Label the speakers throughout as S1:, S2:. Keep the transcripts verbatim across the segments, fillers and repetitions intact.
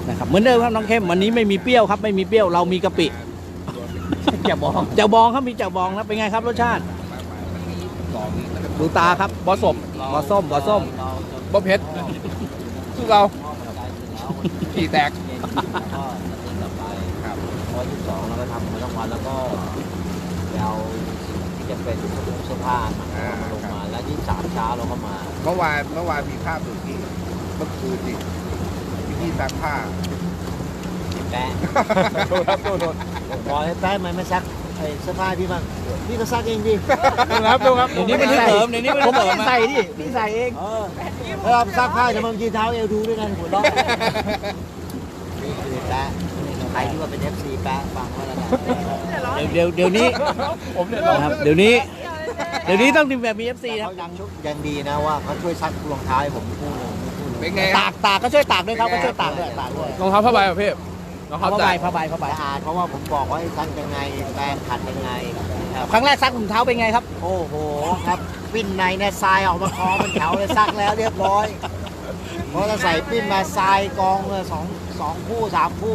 S1: นะครับเหมือนเดิมครับน้องเข้มวันนี้ไม่มีเปรี้ยวครับไม่มีเปรี้ยวเรามีกะปิ
S2: แจ่วบอง
S1: แจ่วบองครับมีแจ่วบองนะเป็นไงครับรสชาติดูตาครับ
S2: บอสม
S1: บอส้มบอส้ม
S2: บอเพชรสู้เราขี่แตก
S3: ครับพอที่สองเราก็ทำมาทั้งวันแล้วก็เอาที่จะเป็นเสื้อผ้ามาลงมาแล้วยี่สามเช้าเราก็มา
S4: เมื่อวานเมื่อวานมีภาพอยู่ที่เมื่อคืนนี่ที่พี่ซักผ้า
S3: แป๊ะ
S2: โดนครับโดนโดน
S3: บอกให้แป๊ะมันไม่ซักไอ้เสื้อผ้าพี่บ้างพี่ก็ซักเองดิ
S2: ครับดูครับ
S1: เดี๋ยวนี้มันเสริมเดี๋ยวนี้มัน
S3: ผม
S1: เสริ
S3: ไม่
S1: ม
S3: ได้ใส่ดิพี่ใส่เองเออเวลาซักผ้าจะมายืนเท้าเอวดูด้วยกันหัวเราะนี่คือแป๊ะใครที่ว่าเป็นเอฟซีแป๊ะฟังไว้แล้วกัน
S1: เดี๋ยวเดี๋ยวนี้
S2: ผมเนี่ย
S1: นะครับเดี๋ยวนี้เดี๋ยวนี้ต้องทีมแบบมีเอฟซีครั
S3: เขา
S1: บ
S3: ยังยังดีนะว่าเขาช่วยซักรองเท้าให้ผมคู่เลย
S4: เป็นไงค
S1: ตา
S4: รับ
S1: กตากก็ช่วยตากด้วยครับก็ช่วยตากด้วยตากด้วย
S2: รองเท้าผ้าใบประเภทรองเท้า
S1: ผ้า
S2: ใจ
S1: ใบผ้าใบผ้าใบ
S3: สะอาดเพราะว่าผมบอกว่าให้ซักยังไงแปรงขัดยังไงครับ
S1: ครั้งแรกซักถุงเท้าเป็นไงครับ
S3: โอ้โหครับปิ้นในเนี่ยทรายออกมาคอมันแถวเลยซักแล้วเรียบร้อยเพราะถ้าใส่ปิ้นมาทรายกองเลยสองสองคู่สามคู่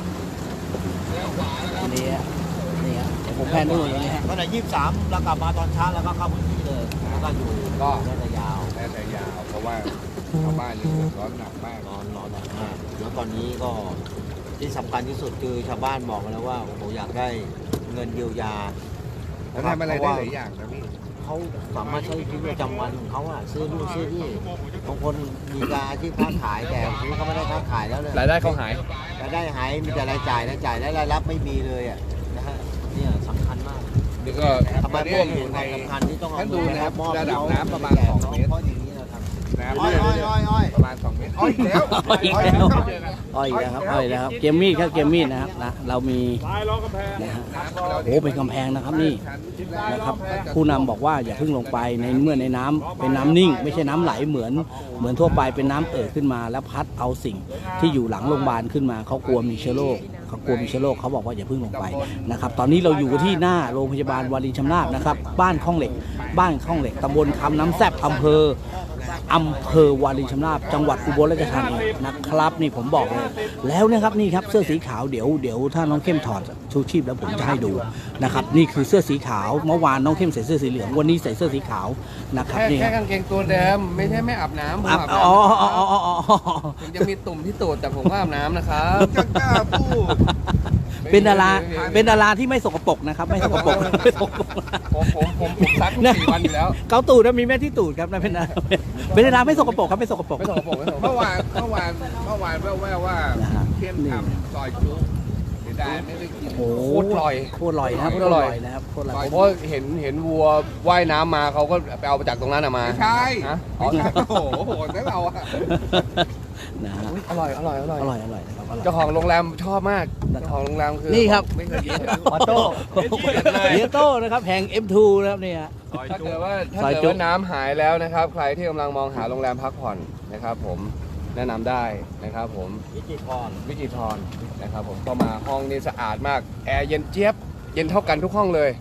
S1: นี่ฮะนี่ฮะเดี๋ยวผมแพนดูอย่างนี้ฮะ
S3: ก็ในยี่สิบสามเรากลับมาตอนเช้าแล้วก็เข้าพื้นที่เลยแล้วก็อยู่
S4: ก็
S3: ได้ยาว
S4: แน่ใจยาวเพราะว่าชาวบ้านยังเดือดร้อนหนักมาก
S3: นอนนอนหนักมากแล้วตอนนี้ก็ที่สำคัญที่สุดคือชาวบ้านบอกมาแล้วว่าโอ้โหอยากได้เงินเยียวยา
S4: แล้วทำอะไรได้หลายอย่างนะพี่
S3: เขาสามารถใช้ชีวิตประจำวันของเขาอะซื้อนู่นซื้อนี่บางคนมีการอาชีพค้าขายแต่ทีนี้เขาไม่ได้ค้าขายแล้วเลย
S2: รายได้เขาหาย
S3: รายได้หายมีแต่รายจ่ายรายจ่ายและรายรับไม่มีเลยอ่ะนะฮะเนี่ยสำคัญมาก
S4: นี่ก็
S3: ทำไม
S4: ตอน
S3: พ
S4: นี้
S3: วก
S4: อ
S3: เห็
S4: ยู่
S3: น
S4: ใน
S3: ความสำคัญที่ต้องเอา
S4: ท่านดูนะครับ
S3: มอบ
S4: ระดับ
S3: เขา
S4: น้ำประมาณสองเมตร
S3: เพราะอย่างนี้เราทำ
S4: น้ำ
S3: อ้อยอ้อยอ้อยอ้อย
S4: ประมาณสองเมตรอ้อยแล้ว
S1: อ้อยอีกแล้วอ้อยอีกแล้วครับอ้อยอีกแล้วครับเกมมี่ครับเกมมี่นะครับนะเรามีนะฮะโอ้เป็นกำแพงนะครับนี่นะครับผู้นำบอกว่าอย่าเพิ่งลงไปในเมื่อในน้ำเป็นน้ำนิ่ง ไม่ใช่น้ำไหลเหมือนเหมือนทั่วไปเป็นน้ำเอ่อขึ้นมา แล้วพัดเอาสิ่งที่อยู่หลังโรงพยาบาลขึ้นมาเขากลัวมีเชื้อโรคเขากลัวมีเชื้อโรคเขาบอกว่าอย่าเพิ่งลงไปนะครับตอนนี้เราอยู่ที่หน้าโรงพยาบาลวารินชำราบนะครับบ้านข้องเหล็ก บ้านข้องเหล็กตำบลคำน้ำแซ่บอำเภออำเภอวารินชำราบจังหวัดอุบลราชธานีนะครับนี่ผมบอกเลยแล้วนะครับนี่ครับเสื้อสีขาวเดี๋ยวเดี๋ยวถ้าน้องเข้มถอดชูชีพแล้วผมจะให้ดูนะครับนี่คือเสื้อสีขาวเมื่อวานน้องเข้มใส่เสื้อสีเหลืองวันนี้ใส่เสื้อสีขาวนะครับ
S2: แค่
S1: นี่
S2: แค่กางเกงตัวเดิมไม่ใช่ไม่อาบน้ำผม
S1: อ่ะ
S2: อาบ
S1: อ๋อ
S2: น้ำ
S1: อ๋ออ๋ออ๋อ
S2: ถึงจะมีตุ่มที่ตูดแต่ผมก็อาบน้ำนะครับ
S4: จะกล้าพูด
S1: เป็นดาราเป็นดาราที่ไม่สกปรกนะครับไม่สกปรกไม่สกปรก
S2: ผมผมผมผมซักทุกสี่วันอยู่แล้ว
S1: เกาตูดนะมีแม่ที่ตูดครับนะเป็นดาราเป็นดาราไม่สกปรกครับไม่สกปรก
S2: ไม่สกปรกไม่สกปร
S4: เมื่อก วานเมื่อวานเมื่อวานแว่วๆว่า
S1: นะฮะ
S4: เข้มทำซอยจุ๊เสียดายไม่ได้กิน
S1: โอ้
S2: โคตรอร่อย
S1: โคตรอร่อยนะครับ
S2: โค
S1: โค
S2: ต
S1: ต
S2: ร
S1: ร
S2: อ
S1: อ
S2: ร่
S1: ร่
S2: อ
S1: อย ยนะครับโคตรอร่อย
S2: เพราะเห็นเห็นวัวว่ายน้ำมาเขาก็ไปเอามาจากตรงนั้นอะมา
S4: ไม่ใช่
S2: ฮะ
S4: อ๋อโอ้โหโหดนะเราอะ
S1: นะฮะ
S2: อร่อยอร่อยอร่อย
S1: อร่อยอร่อยนะครับอร่อย
S2: เจ้าของโรงแรมชอบมากเจ้าของโรงแรมคือ
S1: นี่ครับ
S2: ไม่เคยกิน
S1: ออโต้เดียโต้นะครับแห่ง เอ็ม ทู นะครับเนี่ย
S2: ถ้าเกิดว่าถ้า
S1: ซอย
S2: เกิด
S1: จุ๊
S2: ว่าน้ำหายแล้วนะครับ ใครที่กำลังมองหาโรงแรมพักผ่อนนะครับ ผมแนะนำได้นะครับ ผม
S3: วิจิตรพร
S2: วิจิตรทรนะครับ ผมก็มาห้องนี้สะอาดมากแอร์เย็นเจี๊ยบเย็นเท่ากันทุกห้องเลย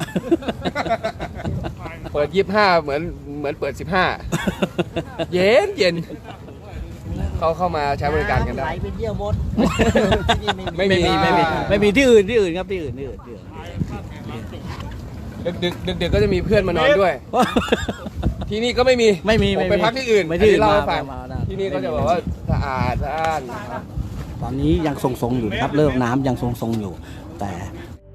S2: เปิดยี่สิบห้าเหมือนเหมือนเปิดสิบห้าเย็นเย็นเขาเข้ามาใช้บริการกันได้
S3: ไหลเป็นเยี่ยวมดที่นี่
S2: ไม่
S3: ไม่
S2: มี
S3: มี
S1: ไม่มีไม่มีที่อื่นที่อื่นครับที่อื่นที่อื่นที่อื่น
S2: ดึกดึกดึกดึกๆก็จะมีเพื่อนมานอนด้วย ที่นี่ก็ไม่มี
S1: ไม่มี
S2: ผม
S1: ไม่
S2: ไป
S1: มี
S2: พักที่อื่น
S1: ไม่ที่อื่น
S2: เล่าให้
S1: มา
S2: ฟัง
S1: มามา
S2: ที่นี่ก็จะบอกว่าสะอาดสะอาดนะครับ
S1: ตอนนี้ยังทรงๆอยู่นะครับเลิกน้ำยังทรงๆอยู่ แต่